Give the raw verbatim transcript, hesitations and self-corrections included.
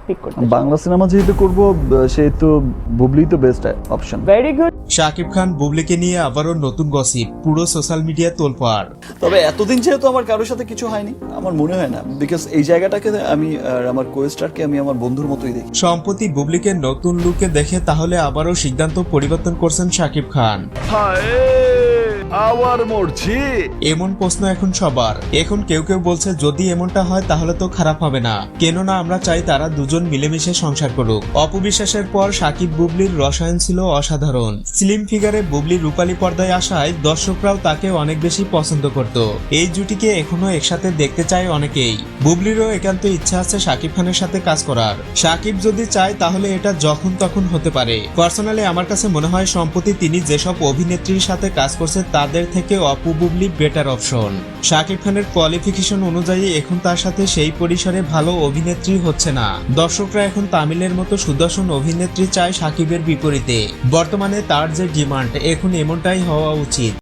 Pick করতে Bangla cinema যেহেতু করব সেহেতু বুবলি তো best option. Very good. Shakib Khan বুবলিকে নিয়ে আবারও নতুন গসিপ, পুরো সোশ্যাল মিডিয়া তোলপাড়। তবে এতদিন যেহেতু আমার কারোর সাথে কিছু হয়নি, আমার মনে হয় না, বিকজ এই জায়গাটাকে আমি আর আমার কোস্টারকে আমি আমার বন্ধুর মতোই দেখি। সম্প্রতি বুবলিকে নতুন লুকে দেখে তাহলে আবারও সিদ্ধান্ত পরিবর্তন করছেন শাকিব খান। আবার মরছি এমন প্রশ্ন এখন সবার। এখন কেউ কেউ বলছে যদি এমনটা হয় তাহলে তো খারাপ হবে না, কেননা আমরা চাই তারা দুজন মিলেমিশে সংসার করুক। অপবিশ্বাসের পর শাকিব বুবলির রসায়ন ছিল অসাধারণ। স্লিম ফিগারে বুবলি রূপালী পর্দায় আসায় দর্শকরাও তাকে অনেক বেশি পছন্দ করত। এই জুটিকে এখনো একসাথে দেখতে চায় অনেকেই। বুবলিরও একান্ত ইচ্ছা আছে শাকিব খানের সাথে কাজ করার। শাকিব যদি চায় তাহলে এটা যখন তখন হতে পারে। পার্সোনালি আমার কাছে মনে হয় সম্প্রতি তিনি যেসব অভিনেত্রীর সাথে কাজ করছে তাদের থেকে অপু বুবলি বেটার অপশন। শাকিব খানের কোয়ালিফিকেশন অনুযায়ী এখন তার সাথে সেই পরিসরে ভালো অভিনেত্রী হচ্ছে না। দর্শকরা এখন তামিলের মতো সুদর্শন অভিনেত্রী চায় শাকিবের বিপরীতে। বর্তমানে তার যে ডিমান্ড, এখন এমনটাই হওয়া উচিত।